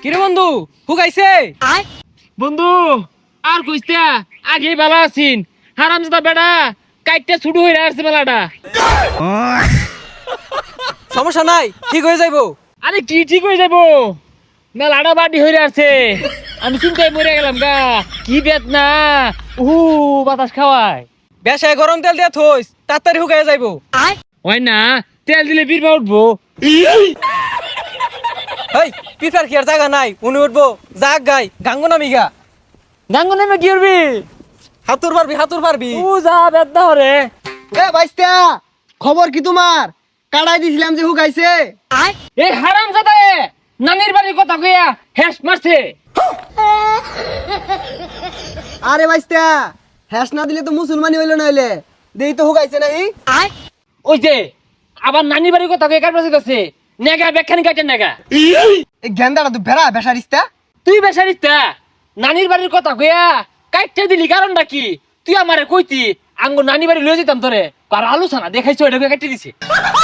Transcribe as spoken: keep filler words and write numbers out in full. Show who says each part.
Speaker 1: কিরে বন্ধু হুকাইছে?
Speaker 2: বন্ধু আর কইস্তা আগে ভালো আছিন হারামজাদা বেড়া কাইটটা ছুটু হয়ে আসছে বেলাটা।
Speaker 1: সমস্যা নাই, ঠিক হয়ে যাইবো।
Speaker 2: আরে কি ঠিক হয়ে যাবো, মেলাটা বাড়ি হয়ে আসছে। আমি চিন্তায় মরে গেলাম গা, কি বেদনা। উহু বাতাস খাওয়ায়।
Speaker 1: বেশায় গরম তেল দিয়া থইস, তাড়াতাড়ি হুকাই যাইবো।
Speaker 2: হয় না, তেল দিলে বীরবা উঠবো।
Speaker 1: হেই পিফার কি আর জায়গা নাই, উনি উঠবো জাগ গাই গাঙ্গো নামি গা।
Speaker 2: গাঙ্গ নেমে কি করবি?
Speaker 1: হাতুর পারবি হাতুর পারবি।
Speaker 2: ও যা বেদনা হরে।
Speaker 1: এ বাইস্তা, খবর কি তোমার? কাড়াই দিছিলাম যে হুকাইছে।
Speaker 2: এই হারামজাদা নানির বাড়ির কথা কইয়া হেস মারছে।
Speaker 1: আরে বাইস্তা, হ্যাস না দিলে তো মুসলমানি হইলো নইলে। দেই তো হুকাইছে নাই।
Speaker 2: ওই যে আবার নানি বাড়ির কথা কয়ে কার পাশে গেছে নেগা বেখানি কাটে নেগা।
Speaker 1: এই গেন্দাটা তো ভেড়া বেসারিস্তা।
Speaker 2: তুই বেসারিতা নানির বাড়ির কথা কইয়া কাটতে দিলি কারণটা কি? তুই আমারে কইতি আঙ্গো নানি বাড়ি লয়ে যেতাম তোরে, আর আলোচনা দেখাইছো এটা কাটতে দিছে।